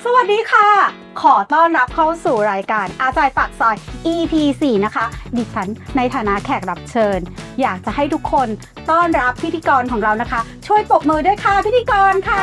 สวัสดีค่ะขอต้อนรับเข้าสู่รายการอาจารย์ปากซอย EP 4นะคะดิฉันในฐานะแขกรับเชิญอยากจะให้ทุกคนต้อนรับพิธีกรของเรานะคะช่วยปรบมือด้วยค่ะพิธีกรค่ะ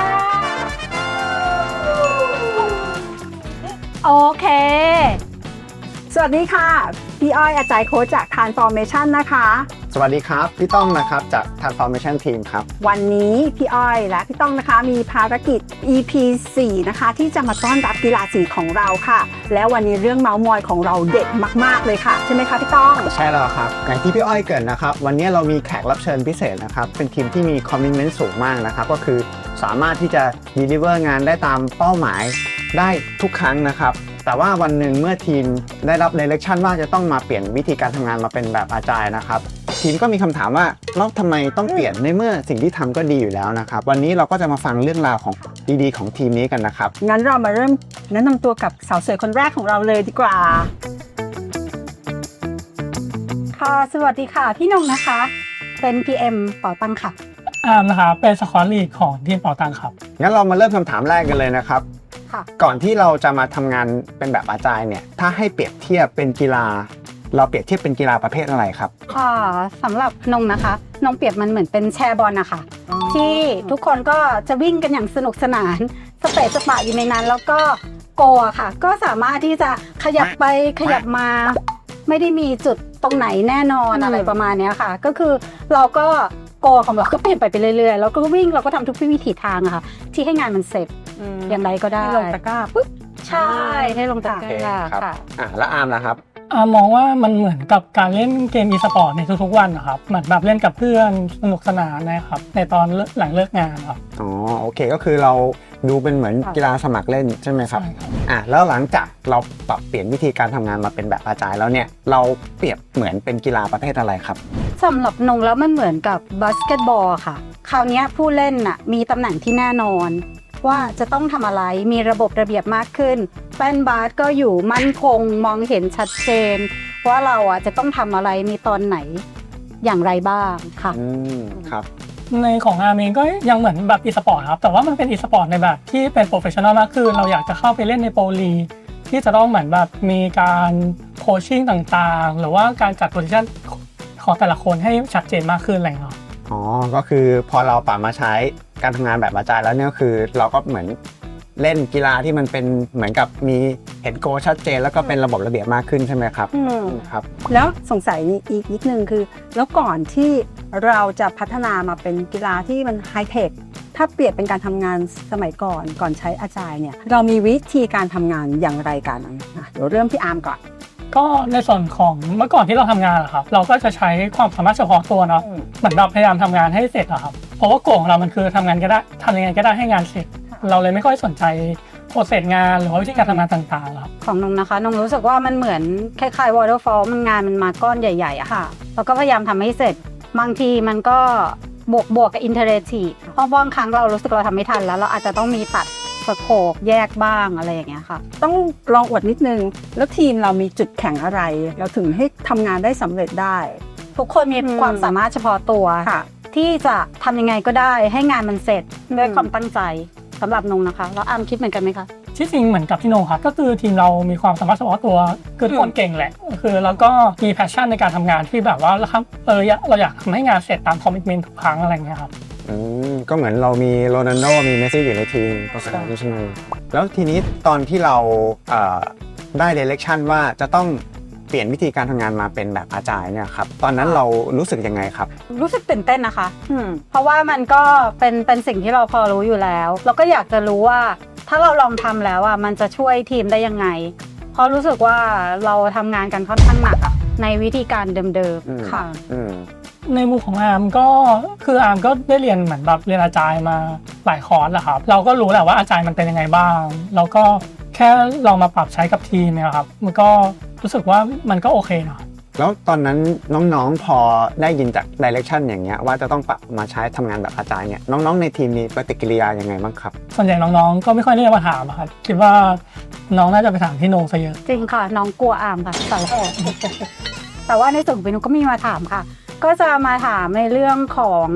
โอเคสวัสดีค่ะพี่อ้อยอาจารย์โค้ชจาก Transformation นะคะสวัสดีครับพี่ต้องนะครับจาก Transformation Team ครับวันนี้พี่อ้อยและพี่ต้องนะคะมีภารกิจ EP 4นะคะที่จะมาต้อนรับกีฬาสีของเราค่ะแล้ววันนี้เรื่องเมาส์มอยของเราเด็ดมากๆเลยค่ะใช่ไหมคะพี่ต้องใช่แล้วครับอย่างที่พี่อ้อยเกริ่นนะครับวันนี้เรามีแขกรับเชิญพิเศษนะครับเป็นทีมที่มีคอมมิชเมนต์สูงมากนะครับก็คือสามารถที่จะ deliver งานได้ตามเป้าหมายได้ทุกครั้งนะครับแต่ว่าวันหนึ่งเมื่อทีมได้รับ direction ว่าจะต้องมาเปลี่ยนวิธีการทำงานมาเป็นแบบอาจารย์นะครับทีมก็มีคำถามว่าแล้วทำไมต้องเปลี่ยนในเมื่อสิ่งที่ทำก็ดีอยู่แล้วนะครับวันนี้เราก็จะมาฟังเรื่องราวของดีๆของทีมนี้กันนะครับงั้นเรามาเริ่มแนะนำตัวกับสาวสวยคนแรกของเราเลยดีกว่าค่ะสวัสดีค่ะพี่นงนะคะเป็น PM เป๋าตังค่ะนะครับเป็นสควอตลีดของทีมเป๋าตังครับงั้นเรามาเริ่มคำถามแรกกันเลยนะครับก่อนที่เราจะมาทำงานเป็นแบบอาจารย์เนี่ยถ้าให้เปรียบเทียบเป็นกีฬาเราเปรียบเทียบเป็นกีฬาประเภทอะไรครับสำหรับนงนะคะนงเปรียบมันเหมือนเป็นแชร์บอลนะคะที่ทุกคนก็จะวิ่งกันอย่างสนุกสนานสเปซสปะอยู่ในนั้นแล้วก็โกค่ะก็สามารถที่จะขยับไปขยับมาไม่ได้มีจุดตรงไหนแน่นอนอะไรประมาณนี้ค่ะก็คือเราก็โกของเราก็เปลี่ยนไปเรื่อยๆแล้วก็วิ่งเราก็ทำทุกวิถีทางอะค่ะที่ให้งานมันเสร็จอย่างไรก็ได้ให้ลงตะกร้าปุ๊บใช่ให้ลงตะกร้าค่ะแล้วอาร์มนะครับมองว่ามันเหมือนกับการเล่นเกมอีสปอร์ตในทุกๆวันนะครับเหมือนแบบเล่นกับเพื่อนสนุกสนานนะครับในตอนหลังเลิกงานครับอ๋อโอเคก็คือเราดูเป็นเหมือนกีฬาสมัครเล่นใช่ไหมครับแล้วหลังจากเราปรับเปลี่ยนวิธีการทำงานมาเป็นแบบอาจารย์แล้วเนี่ยเราเปรียบเหมือนเป็นกีฬาประเภทอะไรครับสำหรับนงแล้วมันเหมือนกับบาสเกตบอลค่ะคราวนี้ผู้เล่นน่ะมีตำแหน่งที่แน่นอนว่าจะต้องทำอะไรมีระบบระเบียบมากขึ้นแป้นบาสก็อยู่มั่นคงมองเห็นชัดเจนว่าเราจะต้องทำอะไรมีตอนไหนอย่างไรบ้างค่ะครับในของอาร์มเองก็ยังเหมือนแบบอีสปอร์ตครับแต่ว่ามันเป็นอีสปอร์ตในแบบที่เป็นโปรเฟชชั่นอลมากขึ้นเราอยากจะเข้าไปเล่นในโปรลีที่จะต้องเหมือนแบบมีการโคชชิ่งต่างๆหรือว่าการจัดโพซิชั่นของแต่ละคนให้ชัดเจนมากขึ้นอะไรเงี้ยอ๋อก็คือพอเราปรับมาใช้การทำงานแบบอาจารย์แล้วเนี่ยคือเราก็เหมือนเล่นกีฬาที่มันเป็นเหมือนกับมีเห็นโกชัดเจนแล้วก็เป็นระบบระเบียบมากขึ้นใช่ไหมครับครับแล้วสงสัยอีกนิดนึงคือแล้วก่อนที่เราจะพัฒนามาเป็นกีฬาที่มันไฮเทคถ้าเปรียบเป็นการทำงานสมัยก่อนใช้อาจารย์เนี่ยเรามีวิธีการทำงานอย่างไรกันเดี๋ยวเริ่มที่อาร์มก่อนก็ในส่วนของเมื่อก่อนที่เราทำงานอะครับเราก็จะใช้ความสามารถเฉพาะตัวเนาะเหมือนเราพยายามทำงานให้เสร็จอะครับเพราะว่าโกของเรามันคือทำงานก็ได้ทำยังไงก็ได้ให้งานเสร็จเราเลยไม่ค่อยสนใจโปรเซสงานหรือว่าวิธีการทำงานต่างๆครับของนงนะคะนงรู้สึกว่ามันเหมือนคล้ายๆ waterfall มันงานมันมาก้อนใหญ่ๆอะค่ะเราก็พยายามทำให้เสร็จบางทีมันก็บวกกับ iterative เพราะบางครั้งเรารู้สึกเราทำไม่ทันแล้วเราอาจจะต้องมีตัดสโคปแยกบ้างอะไรอย่างเงี้ยค่ะต้องลองอวดนิดนึงแล้วทีมเรามีจุดแข็งอะไรเราถึงให้ทำงานได้สำเร็จได้ทุกคนมีความสามารถเฉพาะตัวที่จะทำยังไงก็ได้ให้งานมันเสร็จด้วยความตั้งใจสำหรับนงนะคะแล้วอาร์มคิดเหมือนกันไหมคะที่จริงเหมือนกับพี่นงครับก็คือทีมเรามีความสามารถเฉพาะตัวคือทุกคนเก่งแหละคือแล้วก็มีแพชชั่นในการทำงานที่แบบว่าเราอยากทำให้งานเสร็จตามคอมมิตเมนต์ทุกครั้งอะไรเงี้ยครับก็เหมือนเรามีโรนัลโดมีเมสซี่อยู่ในทีมประสบการณ์ใช่ไหมแล้วทีนี้ตอนที่เราได้ direction ว่าจะต้องเปลี่ยนวิธีการทำงานมาเป็นแบบอาจารย์เนี่ยครับตอนนั้นเรารู้สึกยังไงครับรู้สึกตื่นเต้นนะคะเพราะว่ามันก็เป็นสิ่งที่เราพอรู้อยู่แล้วเราก็อยากจะรู้ว่าถ้าเราลองทำแล้วมันจะช่วยทีมได้ยังไงเพราะรู้สึกว่าเราทำงานกันค่อนข้างหนักในวิธีการเดิมๆค่ะในมุมของอาร์มก็คืออาร์มก็ได้เรียนเหมือนแบบเรียนอาจารย์มาหลายคอร์สแหละครับเราก็รู้แหละว่าอาจารย์มันเป็นยังไงบ้างแล้วก็แค่ลองมาปรับใช้กับทีมเนี่ยครับมันก็รู้สึกว่ามันก็โอเคนะแล้วตอนนั้นน้องๆพอได้ยินจาก direction อย่างเงี้ยว่าจะต้องปรับมาใช้ทำงานแบบอาจารย์เนี่ยน้องๆในทีมมีปฏิกิริยายังไงบ้างครับส่วนใหญ่น้องๆก็ไม่ค่อยได้มาถามครับคิดว่าน้องน่าจะไปถามพี่โนซะเยอะจริงค่ะน้องกลัวอาร์มค่ะแต่ว่าในส่วนของพี่โนก็มีมาถามค่ะก็จะมาถามในเรื่องของ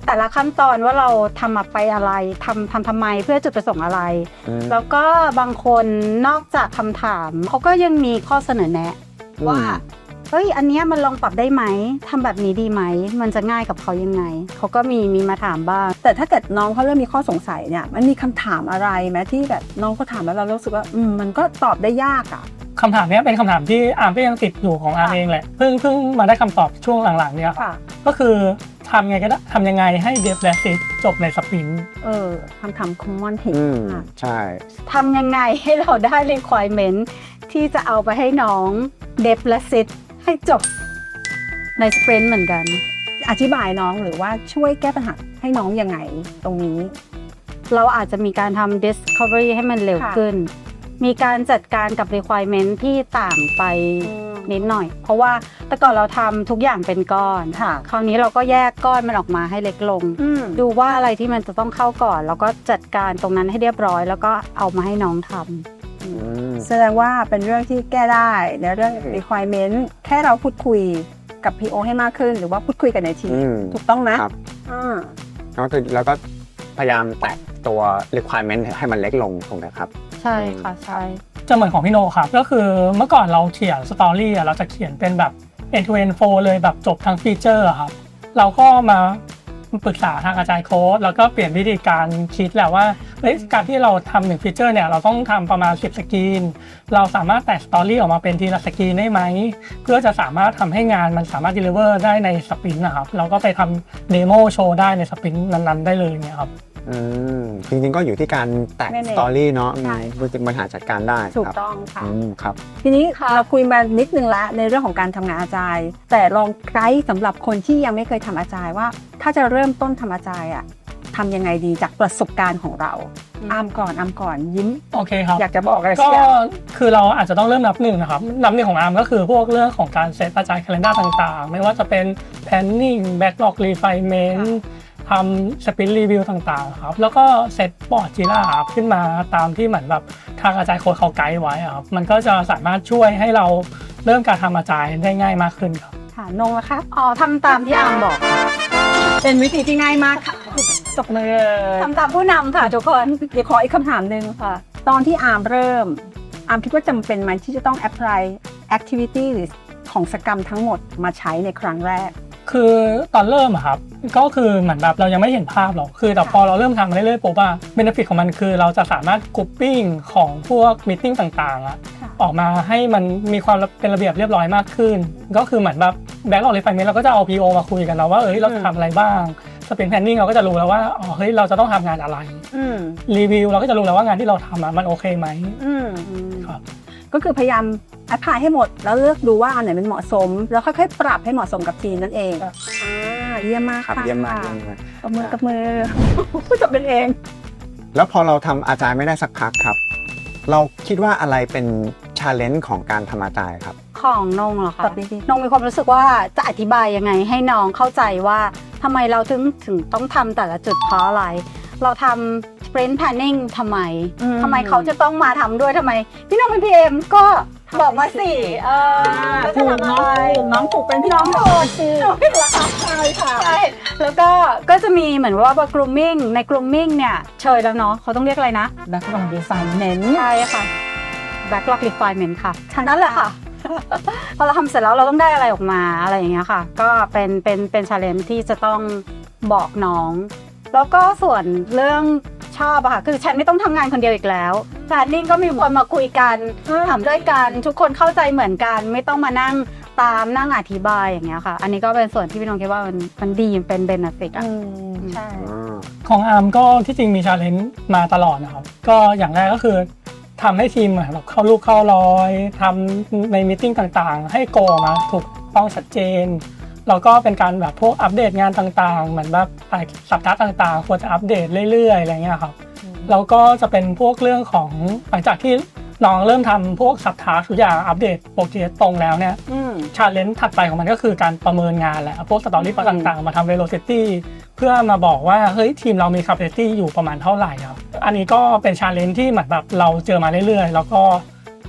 แต่ละขั้นตอนว่าเราทำมาไปอะไรทำไมเพื่อจุดประสงค์อะไร แล้วก็บางคนนอกจากคำถามเขาก็ยังมีข้อเสนอแนะว่าเฮ้ยอันเนี้ยมันลองปรับได้ไหมทำแบบนี้ดีไหมมันจะง่ายกับเขายังไงเขาก็มีมาถามบ้างแต่ถ้าเกิดน้องเขาเริ่มมีข้อสงสัยเนี่ยมันมีคำถามอะไรไหมที่แบบน้องเขาถามแล้วเรารู้สึกว่ามันก็ตอบได้ยากอ่ะคำถามนี้เป็นคำถามที่อาร์มก็ยังติดอยู่ของอาร์มเองแหละเพิ่งมาได้คำตอบช่วงหลังๆเนี่ยก็คือทำยังไงให้เดฟและซิสจบในสปรินต์คำถาม common เห็นใช่ทำยังไงให้เราได้ requirement ที่จะเอาไปให้น้องเดฟและซิดให้จบในสปรินต์เหมือนกันอธิบายน้องหรือว่าช่วยแก้ปัญหาให้น้องยังไงตรงนี้เราอาจจะมีการทำ discovery ให้มันเร็วขึ้น มีการจัดการกับ requirement ที่ต่างไปนิดหน่อย เพราะว่าแต่ก่อนเราทำทุกอย่างเป็นก้อน คราวนี้เราก็แยกก้อนมันออกมาให้เล็กลง ดูว่าอะไรที่มันจะต้องเข้าก่อน แล้วก็จัดการตรงนั้นให้เรียบร้อย แล้วก็เอามาให้น้องทำแสดงว่าเป็นเรื่องที่แก้ได้ในเรื่อง requirement แค่เราพูดคุยกับ PO ให้มากขึ้น หรือว่าพูดคุยกันในทีมถูกต้องนะครับแล้วก็พยายามแตะตัว requirement ให้มันเล็กลงถูกไหมครับใช่ค่ะใช่จะเหมือนของพี่โนครับก็คือเมื่อก่อนเราเขียนสตอรี่เราจะเขียนเป็นแบบ end to end flow เลยแบบจบทั้งฟีเจอร์ครับเราก็มาปรึกษาทางอาจารย์โค้ดแล้วก็เปลี่ยนวิธีการคิดแหละว่าการที่เราทำหนึ่งฟีเจอร์เนี่ยเราต้องทำประมาณ10สกรีนเราสามารถแตกสตอรี่ออกมาเป็นทีละสกรีนได้ไหมเพื่อจะสามารถทำให้งานมันสามารถ deliver ได้ในสปรินต์นะครับเราก็ไปทำเดโมโชว์ได้ในสปรินต์นั้นๆได้เลยเนี่ยครับจริงๆก็อยู่ที่การแตกสตอรี่เนาะบริหารจัดการได้ถูกต้องค่ะครับทีนี้เราคุยมานิดนึงแล้วในเรื่องของการทำงานอาจารย์แต่ลองไกด์สำหรับคนที่ยังไม่เคยทำอาจารย์ว่าถ้าจะเริ่มต้นทำอาจารย์ทำยังไงดีจากประสบการณ์ของเราอ้ำก่อนยิ้มโอเคครับอยากจะบอกอะไรสัก็กอย่างคือเราอาจจะต้องเริ่มนับหนึ่งนะครับนับหนึ่งของอาร์มก็คือพวกเรื่องของการเซตอาจารย์ calendar ต่างๆไม่ว่าจะเป็น planning backlog refinement ทำ sprint review ต่างๆครับแล้วก็เซตบอร์ดจีล่าขึ้นมาตามที่เหมือนแบบทางอาจารย์โค้ดเขาไกด์ไว้ครับมันก็จะสามารถช่วยให้เราเริ่มการทำอาจารย์ได้ง่ายมากขึ้นครับค่ะนงละคะทำตามที่อาร์มบอกเป็นวิธีที่ง่ายมากค่ะตกมือทำตามผู้นำค่ะทุกคนเดี๋ยวขออีกคำถามหนึ่งค่ะตอนที่อาร์มเริ่มอาร์มคิดว่าจำเป็นไหมที่จะต้อง apply activity หรือของกิจกรรมทั้งหมดมาใช้ในครั้งแรกคือตอนเริ่มอะครับก็คือเหมือนแบบเรายังไม่เห็นภาพหรอกคือแต่พอเราเริ่มทำมาเรื่อยๆปุ๊บอะเบเนฟิตของมันคือเราจะสามารถกรุ๊ปปิ้งของพวกมีตติ้งต่างๆอะออกมาให้มันมีความเป็นระเบียบเรียบร้อยมากขึ้นก็คือเหมือนแบบแบ็คออฟรีไฟเมนต์เราก็จะเอา PO มาคุยกันแล้วว่าเราจะทำอะไรบ้างสปรินต์แพลนนิ่งเราก็จะรู้แล้วว่าเฮ้ยเราจะต้องทำงานอะไรรีวิวเราก็จะรู้แล้วว่างานที่เราทำมันโอเคไหมครับก็คือพยายามแอพพลายให้หมดแล้วเลือกดูว่าอันไหนมันเหมาะสมแล้วค่อยๆปรับให้เหมาะสมกับทีมนั่นเองเยี่ยมมากค่ะเยี่ยมมากกับมือพูดจบเป็นเองแล้วพอเราทำอาจารย์ไม่ได้สักพักครับเราคิดว่าอะไรเป็น challenge ของการทำอาจารย์ครับของนงเหรอคะนงมีความรู้สึกว่าจะอธิบายยังไงให้น้องเข้าใจว่าทำไมเราถึงต้องทำแต่ละจุดเพราะอะไรเราทำ sprint planning ทำไมเขาจะต้องมาทำด้วยทำไมพี่น้องเป็น PM ก็บอกมาสิถูกน้องถูกเป็นพี่น้องสิใช่ค่ะใช่แล้วก็จะมีเหมือนว่า grooming ใน grooming เนี่ยเชยแล้วเนาะเขาต้องเรียกอะไรนะ backlog refinement ใช่ค่ะ backlog refinement ค่ะนั่นแหละค่ะพอเราทำเสร็จแล้วเราต้องได้อะไรออกมาอะไรอย่างเงี้ยค่ะก็เป็น challenge ที่จะต้องบอกน้องแล้วก็ส่วนเรื่องชอบอะค่ะคือฉันไม่ต้องทำงานคนเดียวอีกแล้วแพลนนิ่งก็มีคนมาคุยกันถามด้วยกันทุกคนเข้าใจเหมือนกันไม่ต้องมานั่งตามนั่งอธิบายอย่างเงี้ยค่ะอันนี้ก็เป็นส่วนที่พี่น้องคิดว่ามันดีเป็นเบนฟิตใช่ของอาร์มก็ที่จริงมีชาเลนจ์มาตลอดนะครับก็อย่างแรกก็คือทำให้ทีมแบบเข้าลูกเข้ารอยทำในมีตติ้งต่างๆให้โกมาถูกต้องชัดเจนแล้วก็เป็นการแบบพวกอัปเดตงานต่างๆเหมือนแบบสัปดาห์ต่างๆควรจะอัปเดตเรื่อยๆอะไรเงี้ยครับแล้วก็จะเป็นพวกเรื่องของหลังจากที่น้องเริ่มทำพวกสัปดาห์ทุกอย่างอัปเดตโปรเจกต์ตรงแล้วเนี่ยชาเลนจ์ถัดไปของมันก็คือการประเมินงานแหละพวกสตอรี่ต่างๆมาทำ velocity เพื่อมาบอกว่าเฮ้ยทีมเรามี capacity อยู่ประมาณเท่าไหร่ครับอันนี้ก็เป็นชาเลนจ์ที่เหมือนแบบเราเจอมาเรื่อยๆแล้วก็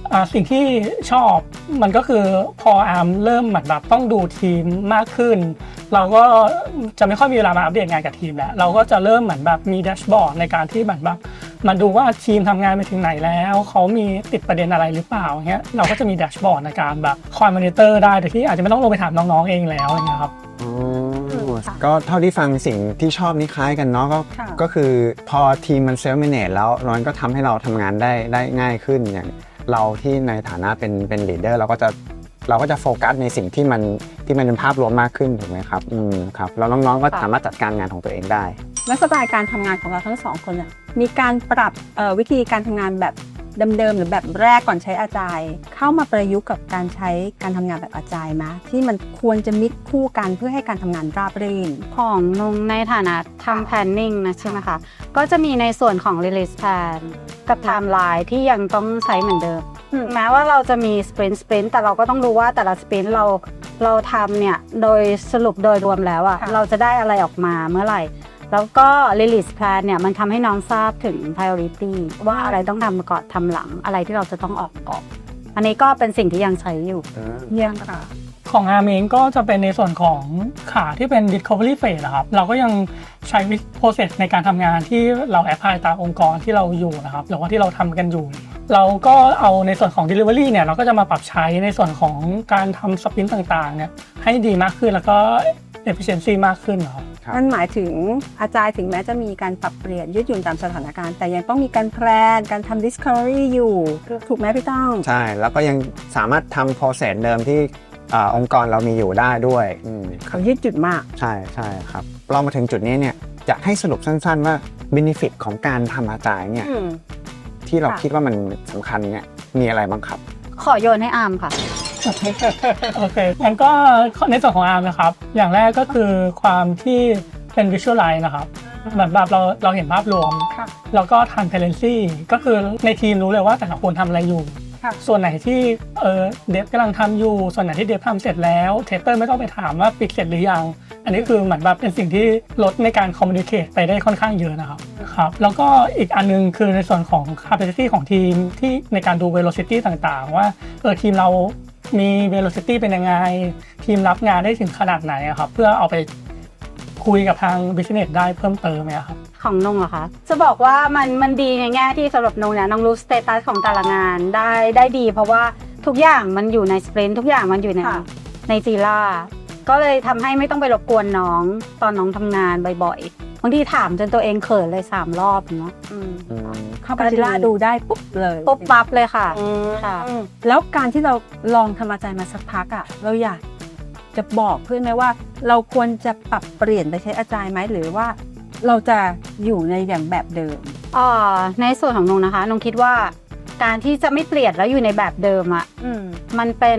สิ่งที่ชอบมันก็คือพออาร์มเริ่มเหมือนแบบต้องดูทีมมากขึ้น เราก็จะไม่ค่อยมีเวลามาอัปเดตงานกับทีมแล้วเราก็จะเริ่มเหมือนแบบมีแดชบอร์ดในการที่เหมือนแบบมาดูว่าทีมทำงานไปถึงไหนแล้วเขามีติดประเด็นอะไรหรือเปล่าเงี้ยเราก็จะมีแดชบอร์ดในการแบบคอยมอนิเตอร์ได้โดยที่อาจจะไม่ต้องลงไปถามน้องๆเองแล้วอะไรเงี้ยครับก็เท่าที่ฟังสิ่งที่ชอบนี่คล้ายกันเนาะค่ะก็คือพอทีมมันเซลฟ์แมเนจแล้วมันก็ทำให้เราทำงานได้ง่ายขึ้นอย่างเราที่ในฐานะเป็นลีดเดอร์เราก็จะโฟกัสในสิ่งที่มันเป็นภาพรวมมากขึ้นถูกไหมครับครับแล้วน้องๆก็สามารถจัดการงานของตัวเองได้และสไตล์การทำงานของเราทั้งสองคนเนี่ยมีการปรับวิธีการทำงานแบบเดิมๆหรือแบบแรกก่อนใช้อาจายเข้ามาประยุกต์กับการใช้การทำงานแบบอาจายไหมที่มันควรจะมิกคู่กันเพื่อให้การทำงานราบรื่นของนงในฐานะทำ planning นะใช่ไหมคะ ก็จะมีในส่วนของ release plan กับ timeline ที่ยังต้องใช้เหมือนเดิม แม้ว่าเราจะมี sprint แต่เราก็ต้องรู้ว่าแต่ละ sprint เราทำเนี่ยโดยสรุปโดยรวมแล้วอะค่ะเราจะได้อะไรออกมาเมื่อไหร่ แล้วก็ release plan เนี่ยมันทำให้น้องทราบถึง priority ว่าอะไรต้องทำก่อนทำหลังอะไรที่เราจะต้องออกก่อนอันนี้ก็เป็นสิ่งที่ยังใช้อยู่เยี่ยมค่ะของอาร์มเองก็จะเป็นในส่วนของขาที่เป็น Discovery Phase นะครับเราก็ยังใช้ process ในการทำงานที่เราแอพพลายตามองค์กรที่เราอยู่นะครับหรือว่าที่เราทำกันอยู่ เราก็เอาในส่วนของ Delivery เนี่ยเราก็จะมาปรับใช้ในส่วนของการทำสปรินต์ต่างๆเนี่ยให้ดีมากขึ้นแล้วก็ efficiency มากขึ้นนะครับครับนั่นหมายถึงอาจารย์ถึงแม้จะมีการปรับเปลี่ยนยืดหยุ่นตามสถานการณ์แต่ยังต้องมีการแพลนการทำ discovery อยู่ถูกไหมพี่ต้องใช่แล้วก็ยังสามารถทำ process เดิมที่องค์กรเรามีอยู่ได้ด้วยเขายืดหยุ่นมากใช่ครับเรามาถึงจุดนี้เนี่ยจะให้สรุปสั้นๆว่า benefit ของการทำอาจารย์เนี่ยที่เราค่ะคิดว่ามันสำคัญเนี่ยมีอะไรบ้างครับขอโยนให้อาร์มค่ะโอเคงั้นก็ในส่วนของอาร์มนะครับอย่างแรกก็คือความที่เป็น visualize นะครับแบบเราเห็นภาพรวมค่ะแล้วก็ transparency ก็คือในทีมรู้เลยว่าแต่ละคนทำอะไรอยู่ค่ะส่วนไหนที่เดฟกำลังทำอยู่ส่วนไหนที่เดฟทำเสร็จแล้วเทสเตอร์ไม่ต้องไปถามว่าปิดเสร็จหรือยังอันนี้คือเหมือนแบบเป็นสิ่งที่ลดในการคอมมูนิเคตไปได้ค่อนข้างเยอะนะครับแล้วก็อีกอันนึงคือในส่วนของ capacity ของทีมที่ในการดู velocity ต่างๆว่าทีมเรามี velocity เป็นยังไงทีมรับงานได้ถึงขนาดไหนอะครับเพื่อเอาไปคุยกับทาง business ได้เพิ่มเติมครับของนงเหรอคะ จะบอกว่ามันดีในแง่ที่สำหรับนงเนี่ยนงรู้สเตตัสของแต่ละงานได้ดี เพราะว่าทุกอย่างมันอยู่ในสปรินต์ทุกอย่างมันอยู่ในค่ะจีล่าก็เลยทำให้ไม่ต้องไปรบกวนน้องตอนน้องทำงานบ่อยๆบางทีถามจนตัวเองเขินเลย3 รอบเนาะเข้าไปที่ล่าดูได้ปุ๊บเลยปุ๊บปั๊บเลยค่ะค่ะแล้วการที่เราลองทำอาจารย์มาสักพักอ่ะเราอยากจะบอกเพื่อนไหมว่า เราควรจะปรับเปลี่ยนไปใช้อาจารย์ไหมหรือว่าเราจะอยู่ในแบบเดิมในส่วนของนงนะคะนงคิดว่าการที่จะไม่เปลี่ยนแล้วอยู่ในแบบเดิมอ่ะมันเป็น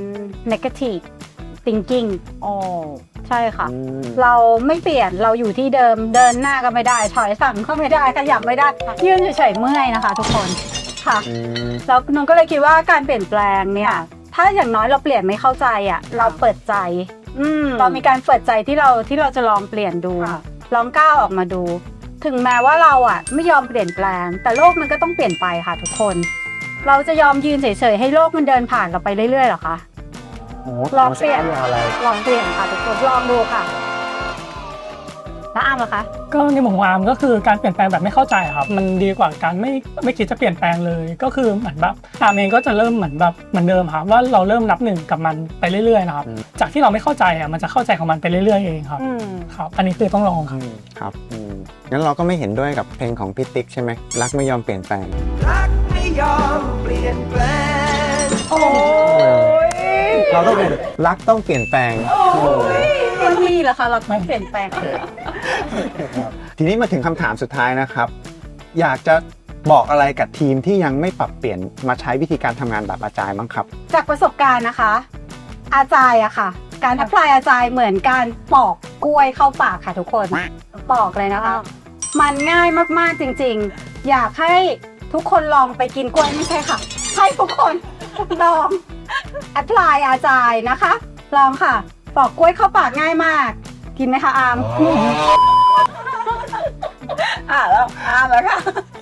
negative thinking อ๋อใช่ค่ะ เราไม่เปลี่ยนเราอยู่ที่เดิมเดินหน้าก็ไม่ได้ถอยสั่งก็ไม่ได้ขยับไม่ได้ยืนเฉยๆเมื่อยนะคะทุกคนค่ะแล้วนงก็เลยคิดว่าการเปลี่ยนแปลงเนี่ยถ้าอย่างน้อยเราเปลี่ยนไม่เข้าใจอ่ะเราเปิดใจเรามีการเปิดใจที่เราจะลองเปลี่ยนดูลองก้าวออกมาดู ถึงแม้ว่าเราอ่ะไม่ยอมเปลี่ยนแปลงแต่โลกมันก็ต้องเปลี่ยนไปค่ะทุกคน เราจะยอมยืนเฉยๆให้โลกมันเดินผ่านเราไปเรื่อยๆหรอคะลองเปลี่ยนค่ะทุกคนลองดูค่ะแล้วอาร์มเหรอคะก็ในมุมของอาร์มก็คือการเปลี่ยนแปลงแบบไม่เข้าใจครับมันดีกว่าการไม่คิดจะเปลี่ยนแปลงเลยก็คือเหมือนแบบอาร์มเองก็จะเริ่มเหมือนแบบเหมือนเดิมครับว่าเราเริ่มนับหนึ่งกับมันไปเรื่อยๆนะครับจากที่เราไม่เข้าใจอ่ะมันจะเข้าใจของมันไปเรื่อยๆเองครับครับอันนี้คือต้องลองครับครับงั้นเราก็ไม่เห็นด้วยกับเพลงของพี่ติ๊กใช่ไหมรักไม่ยอมเปลี่ยนแปลงรักไม่ยอมเปลี่ยนแปลงโอ้ยเราต้องเป็นรักต้องเปลี่ยนแปลงมันมีเหรอคะเราเปลี่ยนแปลงทีนี้มาถึงคำถามสุดท้ายนะครับ อยากจะบอกอะไรกับทีมที่ยังไม่ปรับเปลี่ยนมาใช้วิธีการทำงานแบบอาจารย์บ้างครับจากประสบการณ์นะคะ อาจารย์อะค่ะ การแอพพลายอาจารย์เหมือนการปอกกล้วยเข้าปากค่ะทุกคนปอกเลยนะคะ มันง่ายมากๆจริงๆ อยากให้ทุกคนลองไปกินกล้วยไม่ใช่ค่ะ ให้ทุกคนลองแอพพลายอาจารย์นะคะ ลองค่ะปอกกล้วยเข้าปากง่ายมาก กินไหมคะอาร์มแล้วค่ะ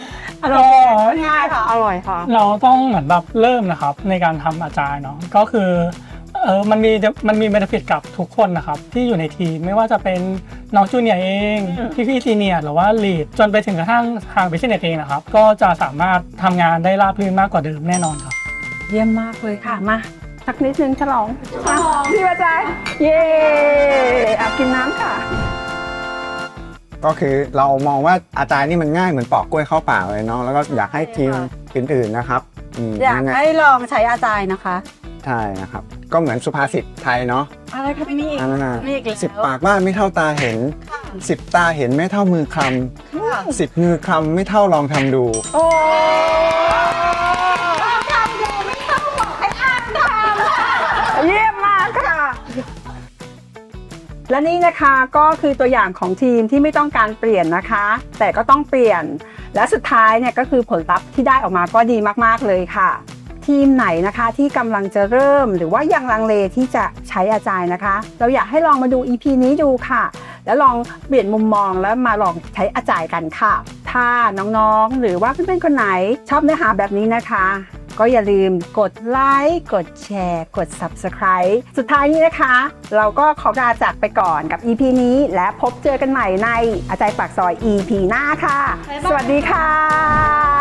อร่อยง่ายค่ะอร่อยค่ะเราต้องเหมือนแบบเริ่มนะครับในการทำอาจารย์เนาะก็คือมันมีเบนฟิตกับทุกคนนะครับที่อยู่ในทีมไม่ว่าจะเป็นน้องจูเนียร์เองพี่ซีเนียร์หรือว่าลีดจนไปถึงกระทั่งทางบิสเนสเองนะครับก็จะสามารถทำงานได้ราบรื่นมากกว่าเดิมแน่นอนครับเยี่ยมมากเลยค่ะมาสักนิดนึงฉลองพี่วาจายเย้เอากินน้ำค่ะก็คือเรามองว่าอาจารย์นี่มันง่ายเหมือนปอกกล้วยเข้าปากเลยเนาะแล้วก็อยากให้ทีมอื่นๆนะครับอยากให้ลองใช้อาจารย์นะคะใช่นะครับก็เหมือนสุภาษิตไทยเนาะอะไรคะพี่นี่อันนั้นมีอีกแล้ว 10 ปากว่าไม่เท่าตาเห็น 10 ตาเห็นไม่เท่ามือคลำ10 มือคลำไม่เท่าลองทำดูโอ้ทำดูไม่ต้องบอกให้อ่านทำเยี่ยมมากค่ะ และนี่นะคะก็คือตัวอย่างของทีมที่ไม่ต้องการเปลี่ยนนะคะ แต่ก็ต้องเปลี่ยนและสุดท้ายเนี่ยก็คือผลลัพธ์ที่ได้ออกมาก็ดีมากๆเลยค่ะ ทีมไหนนะคะที่กำลังจะเริ่มหรือว่ายังลังเลที่จะใช้อาจารย์นะคะ เราอยากให้ลองมาดู EP นี้ดูค่ะ แล้วลองเปลี่ยนมุมมองแล้วมาลองใช้อาจารย์กันค่ะ ถ้าน้องๆหรือว่าเพื่อนๆคนไหนชอบเนื้อหาแบบนี้นะคะ ก็อย่าลืมกดไลค์กดแชร์กด Subscribe สุดท้ายนี้นะคะ เราก็ขอลาจากไปก่อนกับ EP นี้และพบเจอกันใหม่ในอาจารย์ปากซอย EP หน้าค่ะ สวัสดีค่ะ